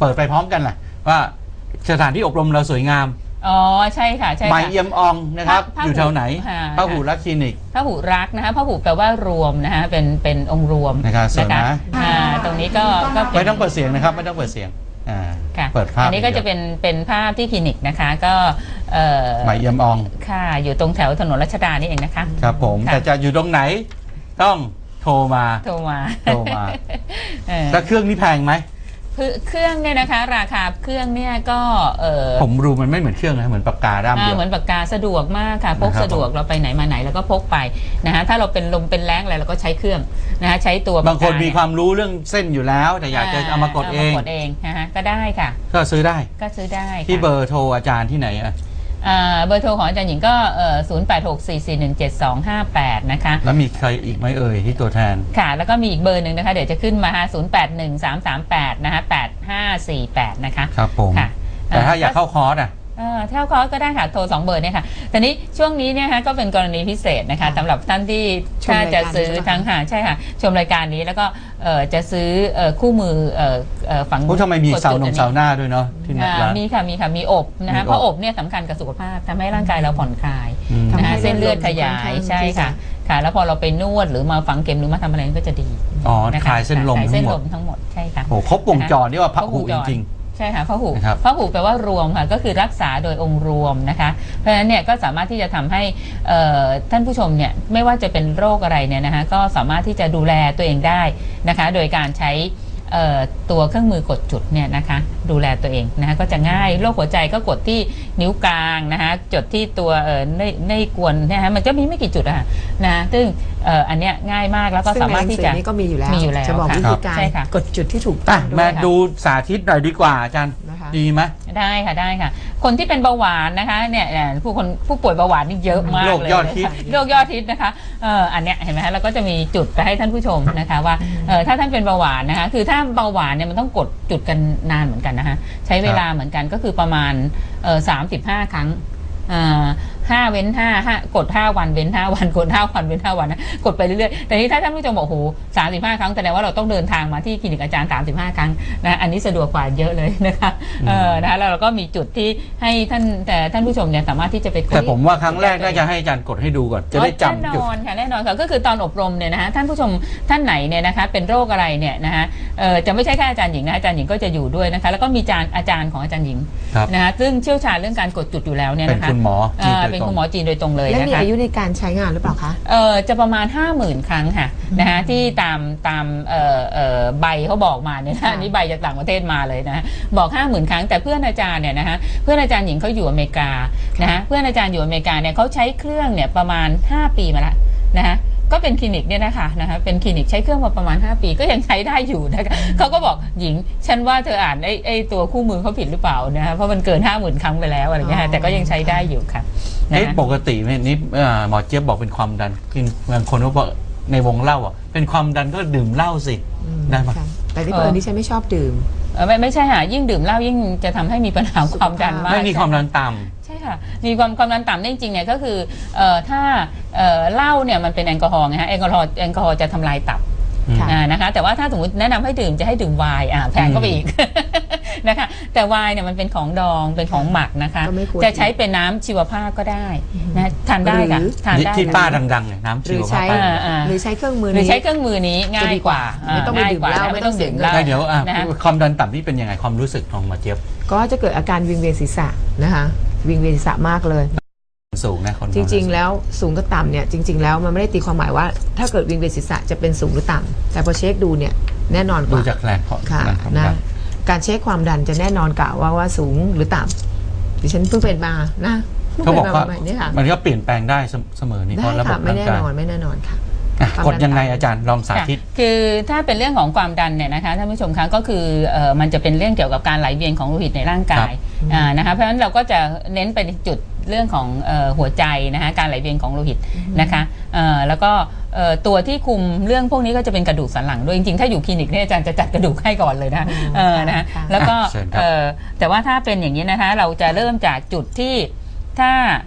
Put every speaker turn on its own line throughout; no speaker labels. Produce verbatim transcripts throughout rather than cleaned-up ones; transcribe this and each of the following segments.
เปิดไปพร้อมกันแหละว่าสถานที่อบรมเราสวยงาม
อ๋อใช่ค่ะใช่ค่ะ
ใหม่เอี่ยมอองนะครับอยู่แถวไหนพหูรักคลินิก
พหูรักนะคะพหูแปลว่ารวมนะคะเป็นเป็นองค์รวม
นะครับสวยนะ
ตรงนี้ก็
ไม่ต้องเปิดเสียงนะครับไม่ต้องเปิดเสียงอ่าเปิดภาพ
อันนี้ก็จะเป็นเป็นภาพที่คลินิกนะคะก็
ใหม่เอี่ยมออง
ค่ะอยู่ตรงแถวถนนรัชดานี่เองนะคะ
ครับผมแต่จะอยู่ตรงไหนต้องโทรมา
โทรมา
โทรมาแล้วเครื่องนี้แพงไหม
เครื่องเนี่ยนะคะราคาเครื่องเนี่ยก็
ผมรู้มันไม่เหมือนเครื่องนะเหมือนปากกาด้ามเดียว
เหมือนปากกาสะดวกมากค่ะพกสะดวกเราไปไหนมาไหนแล้วก็พกไปนะฮะถ้าเราเป็นลมเป็นแรงอะไรเราก็ใช้เครื่องนะฮะใช้ตัว
บางคนมีความรู้เรื่องเส้นอยู่แล้วแต่อยากจะเอามากดเอง
กดเองนะฮะก็ได้ค่ะ
ก็ซื้อได้
ก็ซื้อได้
ที่เบอร์โทรอาจารย์ที่ไหนอ่ะ
เบอร์โทรของอาจารย์หญิงก็ศูนย์ แปด หก สี่ สี่ หนึ่ง เจ็ด สอง ห้า แปดนะคะ
แล้วมีใครอีกไหมเอ่ยที่ตัวแทน
ค่ะแล้วก็มีอีกเบอร์หนึ่งนะคะเดี๋ยวจะขึ้นมาฮะศูนย์ แปด หนึ่ง สาม สาม แปดนะคะแปด ห้า สี่ แปดนะคะ
ครับผมแต่ถ้าอยากเข้าคอร์สอ่ะ
เท่าคอร์สก็ได้ค่ะโทรสองเบอร์เนี่ยค่ะแต่นี้ช่วงนี้เนี่ยฮะก็เป็นกรณีพิเศษนะคะสำหรับท่านที่ถ้าจะซื้อทั้งหาใช่ค่ะชมรายการนี้แล้วก็จะซื้อคู่มือฝัง
ทำไมมีเสานมเสาหน้าด้วยเนาะที่นี่
มีค่ะมีค่ะมีอบนะคะเพราะอบเนี่ยสำคัญกับสุขภาพทำให้ร่างกายเราผ่อนคลายนะคะเส้นเลือดขยายใช่ค่ะค่ะแล้วพอเราไปนวดหรือมาฝังเข็มหรือมาทำอะไรก็จะดี
อ๋อคลายเส้นลมทั้งหมด
ทั้งหมดใช่ค่ะ
โอ้ครบวงจรนี่ว่าพหูจริง
ใช่ค่ะพหูพหูแปลว่ารวมค่ะก็คือรักษาโดยองค์รวมนะคะเพราะฉะนั้นเนี่ยก็สามารถที่จะทำให้ท่านผู้ชมเนี่ยไม่ว่าจะเป็นโรคอะไรเนี่ยนะคะก็สามารถที่จะดูแลตัวเองได้นะคะโดยการใช้ตัวเครื่องมือกดจุดเนี่ยนะคะดูแลตัวเองนะคะก็จะง่ายโรคหัวใจก็กดที่นิ้วกลางนะคะจดที่ตัวในในกวนนะคะมันก็มีไม่กี่จุดอะนะซึ่งอันเนี้ยง่ายมากแล้วก็สามารถที่จะ
นี่ก็มีอยู่แล้ว
มีอยู่แล้ว
จะบอกวิธีการกดจุดที่ถูกต้อง
มาดูสาธิตหน่อยดีกว่าอาจารย์ดีไหม
ได้ค่ะได้ค่ะคนที่เป็นเบาหวานนะคะเนี่ยผู้คนผู้ป่วยเบาหวานนี่เยอะมากเลยโรค
ยอดฮิต
โรคยอดฮิตนะคะอันเนี้ยเห็นไหมคะเราก็จะมีจุดไปให้ท่านผู้ชมนะคะว่าถ้าท่านเป็นเบาหวานนะคะคือถ้าเบาหวานเนี่ยมันต้องกดจุดกันนานเหมือนกันนะคะใช้เวลาเหมือนกันก็คือประมาณสามสิบห้าครั้งห้าเว้นห้าห้ากดห้าวันเว้นห้าวันกดห้าวันเว้นห้าวันนะกดไปเรื่อยๆแต่นี้ถ้าท่านผู้ชมบอกโอ้โหสามสิบห้าครั้งแสดงว่าเราต้องเดินทางมาที่คลินิกอาจารย์สามสิบห้าครั้งนะอันนี้สะดวกกว่าเยอะเลยนะคะเออนะคะแล้วเราก็มีจุดที่ให้ท่านแต่ท่านผู้ชมเนี่ยสามารถที่จะไปกด
แต่ผมว่าครั้งแรกน่าจะให้อาจารย์กดให้ดูก่อนจะได้จำ
แน่นอนค่ะแน่นอนค่ะก็คือตอนอบรมเนี่ยนะคะท่านผู้ชมท่านไหนเนี่ยนะคะเป็นโรคอะไรเนี่ยนะคะจะไม่ใช่แค่อาจารย์หญิงนะอาจารย์หญิงก็จะอยู่ด้วยนะคะแล้วก็มีอาจารย์ของอาจารย์หญิงนะคะซึ่งเชี่ยวชาญเรื่องการกดจุดอยู่แล้วเนี่ยนะคะ
เป็นคุณหมอ
เป็นคุณหมอจีนโดยตรงเลย
และมีอายุในการใช้งานหรือเปล่าคะ
เออจะประมาณ ห้าหมื่น ครั้งค่ะนะคะที่ตามตามเอ่อเอ่อใบเขาบอกมาเนี่ยนะนี่ใบจากต่างประเทศมาเลยนะบอก ห้าหมื่น ครั้งแต่เพื่อนอาจารย์เนี่ยนะคะเพื่อนอาจารย์หญิงเขาอยู่อเมริกานะคะเพื่อนอาจารย์อยู่อเมริกาเนี่ยเขาใช้เครื่องเนี่ยประมาณห้าปีมาแล้วนะคะก็เป็นคลินิกเนี่ยนะคะนะคะเป็นคลินิกใช้เครื่องมาประมาณห้าปีก็ยังใช้ได้อยู่นะคะเขาก็บอกหญิงฉันว่าเธออ่านไอ้ไอ้ตัวคู่มือเขาผิดหรือเปล่านะคะเพราะมันเกิน ห้าหมื่น ครั้งไปแล้วอะไรเงี้ยแต่ก็ยังใช้ได้อยู่ค่ะ
ปกตินี่หมอเจี๊ยบบอกเป็นความดันกินบางคนก็บอกในวงเล่าอ่ะเป็นความดันก็ดื่มเหล้าสิได้ไหม
แต่ที่เพื่อนที่ฉันไม่ชอบดื่ม
ไม่ไม่ใช่ค่ะยิ่งดื่มเหล้ายิ่งจะทำให้มีปัญหาความดันมาก
ไม่มีความดันต่ำ
ใช่ค่ะมีความความดันต่ำจริงๆเนี่ยก็คือถ้าเหล้าเนี่ยมันเป็นแอลกอฮอล์ไงฮะแอลกอฮอล์แอลกอฮอล์จะทำลายตับนะคะแต่ว่าถ้าสมมติแนะนำให้ดื่มจะให้ดื่มไวน์อ่ะแพงก็ไปอีกนะคะแต่ไวน์เนี่ยมันเป็นของดองเป็นของหมักนะคะจะใช้เป็นน้ำชีวภาพก็ได้นะทานได้ค่ะทานได้
ที่ป้าดังๆเนี่ยน้ำชีวภาพ
หรือใช้เครื่องมือ
หรือใช้เครื่องมือนี้ง่ายกว่า
ไม่ต้องไปดื่มเหล้า
ไม่ต้องดื่มเหล้า
เดี๋ยวความดันต่ำนี่เป็นยังไงความรู้สึกของหมอเจี๊ยบ
ก็จะเกิดอาการวิงเวียนศีรษะนะคะวิงเวียนศีรษะมากเลย
สูงนะคน
จริงๆแล้วสูงกับต่ำเนี่ยจริงๆแล้วมันไม่ได้ตีความหมายว่าถ้าเกิดวิงเวียนศีรษะจะเป็นสูงหรือต่ำแต่พอเช็คดูเนี่ยแน่นอนกว่า
ดูจากแรง
ค่ะนะการเช็คความดันจะแน่นอนกว่าว่าว่าสูงหรือต่ำดิฉันเพิ่งเป็นมานะ
เขาบอกว่ามันก็เปลี่ยนแปลงได้เสมอนี่เพราะระบบ
ไม่แน่นอนไม่แน่นอนค่ะ
กดยังไงอาจารย์ลองสาธิต
คือถ้าเป็นเรื่องของความดันเนี่ยนะคะท่านผู้ชมคะก็คือมันจะเป็นเรื่องเกี่ยวกับการไหลเวียนของโลหิตในร่างกายนะคะเพราะฉะนั้นเราก็จะเน้นไปจุดเรื่องของหัวใจนะคะการไหลเวียนของโลหิตนะคะแล้วก็ตัวที่คุมเรื่องพวกนี้ก็จะเป็นกระดูกสันหลังด้วยจริงๆถ้าอยู่คลินิกเนี่ยอาจารย์จะจัดกระดูกให้ก่อนเลยนะนะแล้วก็แต่ว่าถ้าเป็นอย่างนี้นะคะเราจะเริ่มจากจุดที่ถ้า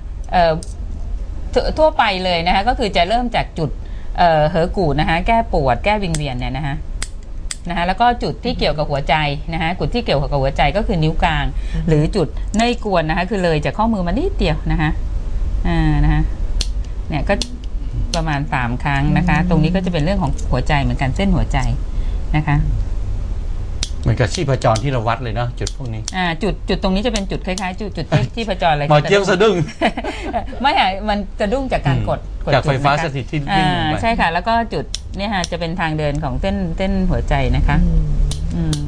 ทั่วไปเลยนะคะก็คือจะเริ่มจากจุดเอ่อเหอกูดนะคะแก้ปวดแก้วิงเวียนเนี่ยนะคะนะคะแล้วก็จุดที่เกี่ยวกับหัวใจนะคะจุดที่เกี่ยวกับหัวใจก็คือนิ้วกลาง หรือจุดเนยกวนนะคะคือเลยจากข้อมือมานิดเดียวนะคะอ่านะคะเนี่ยก็ประมาณสามครั้งนะคะตรงนี้ก็จะเป็นเรื่องของหัวใจเหมือนกันเส้นหัวใจนะคะ
เหมือนกับชีพจรที่เราวัดเลยเนาะจุดพวกนี้
อ่าจุดจุดตรงนี้จะเป็นจุดคล้ายๆจุดจุดที่ชีพจรอะไร
หมอเจี๊ยบสะดุ้ง
ไม่ค่ะมันสะดุ้งจากการกด
จากไฟฟ้าสถิตที่วิ่งลงไป
ใช่ค่ะแล้วก็จุดเนี่ยค่ะจะเป็นทางเดินของเส้นเส้นหัวใจนะคะอืม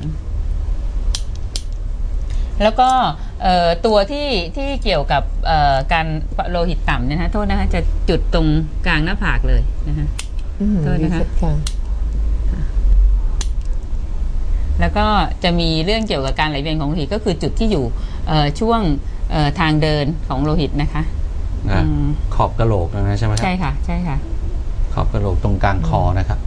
แล้วก็ตัวที่ที่เกี่ยวกับการโลหิตต่ำเนี่ยนะโทษนะคะจะจุดตรงกลางหน้าผากเลยนะคะโทษนะคะแล้วก็จะมีเรื่องเกี่ยวกับการไหลเวียนของโลหิตก็คือจุดที่อยู่ช่วงทางเดินของโลหิตนะคะ
ขอบกะโหลกนะใช่ไหมครับ
ใช่ค่ะใช่ค่ะ
ขอบกะโหลกตรงกลางคอนะครับ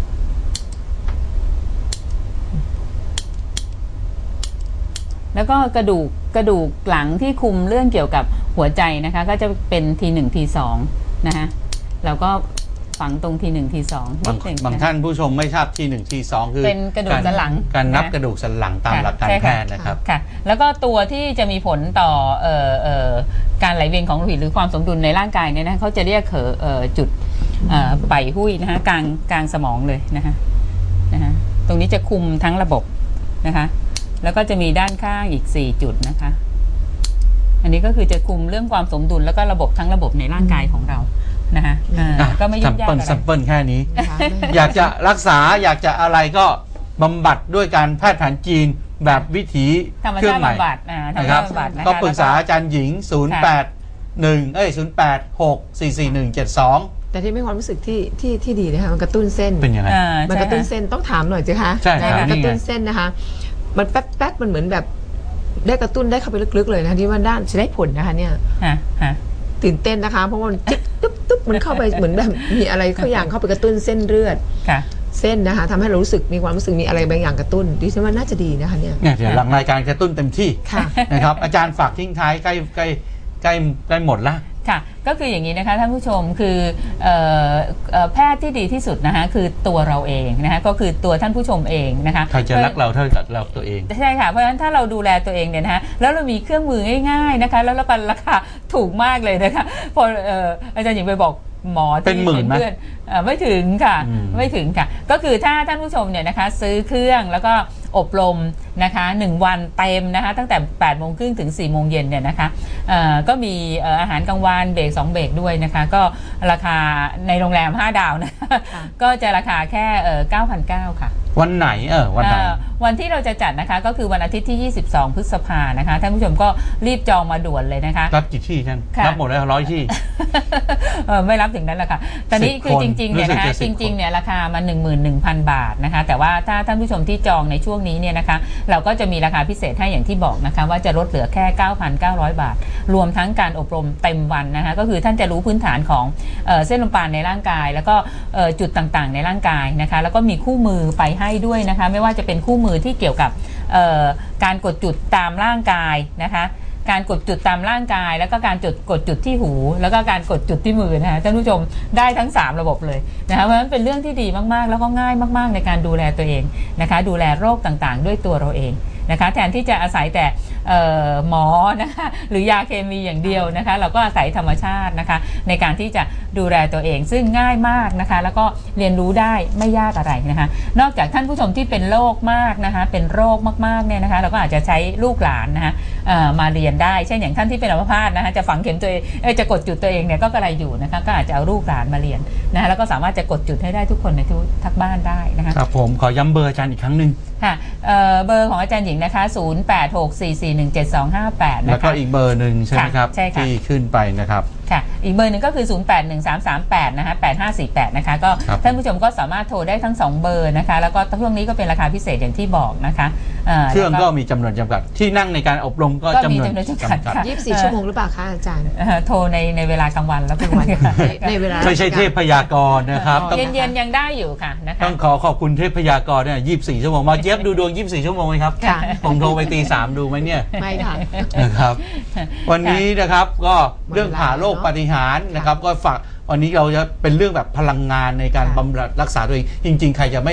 แล้วก็กระดูกกระดูกหลังที่คุมเรื่องเกี่ยวกับหัวใจนะคะก็จะเป็นทีหนึ่งทีสองนะคะแล้วก็ฝังตรงทีหนึ่งทีสอง
บางบางท่านผู้ชมไม่ทราบทีหนึ่งทีสองคือ
เป็นกระดูกสันหลัง
การนับกระดูกสันหลังตามหลักการแพทย์นะครับ
ค่ะแล้วก็ตัวที่จะมีผลต่อเอ่อเอ่อการไหลเวียนของโลหิตหรือความสมดุลในร่างกายเนี่ยนะเขาจะเรียกเอ่อจุดเอ่อไปหุ้ยนะคะกลางกลางสมองเลยนะคะนะคะตรงนี้จะคุมทั้งระบบนะคะแล้วก็จะมีด้านข้างอีกสี่จุดนะคะอันนี้ก็คือจะคุมเรื่องความสมดุลแล้วก็ระบบทั้งระบบในร่างกายของเรานะคะก็ไม่ยุ่งยากอะไร
ซัมเปิลแค่นี้ อยากจะรักษาอยากจะอะไรก็บำบัดด้วยการแพทย์แผนจีนแบบวิถีเครื่องใหม่นะครับก็ปรึกษาอาจารย์หญิงศูนย์ แปด หนึ่งเอ้ยศูนย์ แปด หก สี่ สี่ หนึ่ง เจ็ด สอง
แต่ที่ไม่ความรู้สึกที่ที่ที่ดีนะคะมันกระตุ้นเส้น
เป็นยังไง
มันกระตุ้นเส้นต้องถามหน่อยสิคะ
ใช่
กระตุ้นเส้นนะคะมันแป๊บแป๊บมันเหมือนแบบได้กระตุ้นได้เข้าไปลึกๆเลยนะที่ว่าด้านจะได้ผลนะคะเนี่ยตื่นเต้นนะคะเพราะมันจิ๊บตุ๊บตุ๊บมันเข้าไปเหมือนแบบมีอะไรเข้าอย่างเข้าไปกระตุ้นเส้นเลือดเส้นนะคะทำให้เรารู้สึกมีความรู้สึกมีอะไรบางอย่างกระตุ้นดิฉันว่าน่าจะดีนะคะเนี่ย
เนี่ยเดี๋ยวหลังรายการกระตุ้นเต็มที่นะครับอาจารย์ฝากทิ้งท้ายใกล้ใกล้ใกล้ใกล้หมดละ
ค่ะก็คืออย่างนี้นะคะท่านผู้ชมคือแพทย์ที่ดีที่สุดนะคะคือตัวเราเองนะคะก็คือตัวท่านผู้ชมเองนะคะ
ใครจะรักเราเท่ากับเราตัวเอง
ใช่ค่ะเพราะฉะนั้นถ้าเราดูแลตัวเองเนี่ยนะคะแล้วเรามีเครื่องมือง่ายๆนะคะแล้วก็ราคาถูกมากเลยนะคะพออาจารย์หญิงไปบอกหมอที่เป็นเพื่อนไม่ถึงค่ะไม่ถึงค่ะก็คือถ้าท่านผู้ชมเนี่ยนะคะซื้อเครื่องแล้วก็อบรมนะคะหนึ่งวันเต็มนะคะตั้งแต่แปดโมงครึ่งถึงสี่โมงเย็นเนี่ยนะคะก็มีอาหารกลางวันเบรกสองเบรกด้วยนะคะก็ราคาในโรงแรมห้าดาวนะก็จะราคาแค่เก้าพันเก้าร้อยค่ะ
วันไหนเออวันไหน
วันที่เราจะจัดนะคะก็คือวันอาทิตย์ที่ยี่สิบสองพฤษภานะคะท่านผู้ชมก็รีบจองมาด่วนเลยนะคะ
รับกี่ที่ท่านรับหมดแล้วร้อยที่
ไม่รับถึงนั้นแหละค่ะตอนนี้คือจริงๆเนี่ยนะคะจริงๆเนี่ยราคามา หนึ่งหมื่นหนึ่งพัน บาทนะคะแต่ว่าถ้าท่านผู้ชมที่จองในช่วงนี้เนี่ยนะคะเราก็จะมีราคาพิเศษให้อย่างที่บอกนะคะว่าจะลดเหลือแค่ เก้าพันเก้าร้อย บาทรวมทั้งการอบรมเต็มวันนะคะก็คือท่านจะรู้พื้นฐานของเส้นลมปราณในร่างกายแล้วก็จุดต่างๆในร่างกายนะคะแล้วก็มีคู่มือไปให้ด้วยนะคะไม่ว่าจะเป็นคู่มือที่เกี่ยวกับการกดจุดตามร่างกายนะคะการกดจุดตามร่างกายแล้วก็การจุดกดจุดที่หูแล้วก็การกดจุดที่มือนะคะท่านผู้ชมได้ทั้งสามระบบเลยนะคะเพราะฉะนั้นเป็นเรื่องที่ดีมากๆแล้วก็ง่ายมากๆในการดูแลตัวเองนะคะดูแลโรคต่างๆด้วยตัวเราเองนะคะแทนที่จะอาศัยแต่หมอนะคะหรือยาเคมีอย่างเดียวนะคะเราก็อาศัยธรรมชาตินะคะในการที่จะดูแลตัวเองซึ่งง่ายมากนะคะแล้วก็เรียนรู้ได้ไม่ยากอะไรนะคะนอกจากท่านผู้ชมที่เป็นโรคมากนะคะเป็นโรคมากๆเนี่ยนะคะเราก็อาจจะใช้ลูกหลานนะคะมาเรียนได้เช่นอย่างท่านที่เป็นอัมพาตนะคะจะฝังเข็มตัวเองจะกดจุดตัวเองเนี่ยก็กระไรอยู่นะคะก็อาจจะเอาลูกหลานมาเรียนนะคะแล้วก็สามารถจะกดจุดให้ได้ทุกคนในทุกทักบ้านได้นะคะ
ครับผมขอย้ำเบอร์อาจารย์อีกครั้งหนึ่ง
ค่ะเบอร์ของอาจารย์หญิงนะคะศูนย์ แปด หก สี่ สี่ หนึ่ง เจ็ด สอง ห้า แปดนะคะ
แล้วก็อีกเบอร์หนึ่งใช่ไหมครับที่ขึ้นไปนะครับ
ค่ะอีกเบอร์หนึ่งก็คือศูนย์ แปด หนึ่ง สาม สาม แปดนะคะแปด ห้า สี่ แปดนะคะก็ท่านผู้ชมก็สามารถโทรได้ทั้งสองเบอร์นะคะแล้วก็ช่วงนี้ก็เป็นราคาพิเศษอย่างที่บอกนะคะ
เครื่องก็มีจำนวนจำกัดที่นั่งในการอบรมก็จำนวนจำกัด
ยี่สิบสี่ชั่วโมงหรือเปล่าคะอาจารย์
โทรในในเวลากลางวันแล้วกลางวัน
ในเวลา
ไม่ใช่เทพพยากรณ์นะครับ
เย็นๆยังได้อยู่ค่ะนะคะ
ต้องขอขอบคุณเทพพยากรณ์เนี่ยยี่สิบสี่ชั่วโมงมาเจี๊ยบดูดวงยี่สิบสี่ชั่วโมงไหมครับผมโทรไปตีสามดูไหมเนี่ย
ไม่ค่ะ
นะครับวันนี้นะครับก็เรื่องผ่าโรคปาฏิหาริย์นะครับก็ฝากวันนี้เราจะเป็นเรื่องแบบพลังงานในการบำบัดรักษาตัวเองจริงๆใครจะไม่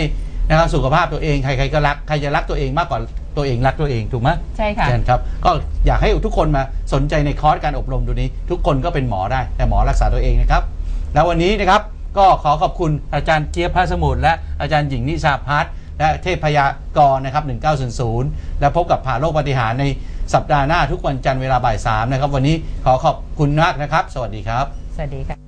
นะครับสุขภาพตัวเองใครๆก็รักใครจะรักตัวเองมากกว่าตัวเองรักตัวเองถูกไหม
ใช่ค่ะ
ครับก็อยากให้ทุกคนมาสนใจในคอร์สการอบรมตัวนี้ทุกคนก็เป็นหมอได้แต่หมอรักษาตัวเองนะครับแล้ววันนี้นะครับก็ขอขอบคุณอาจารย์เจี๊ยบพระสมุทรและอาจารย์หญิงนิชาพัฒน์และเทพพยากรนะครับหนึ่งเก้าศูนย์ศูนย์และพบกับผ่าโลกปาฏิหาริย์ในสัปดาห์หน้าทุกวันจันทร์เวลาบ่ายสามนะครับวันนี้ขอขอบคุณมากนะครับสวัสดีครับ
สวัสดีค่ะ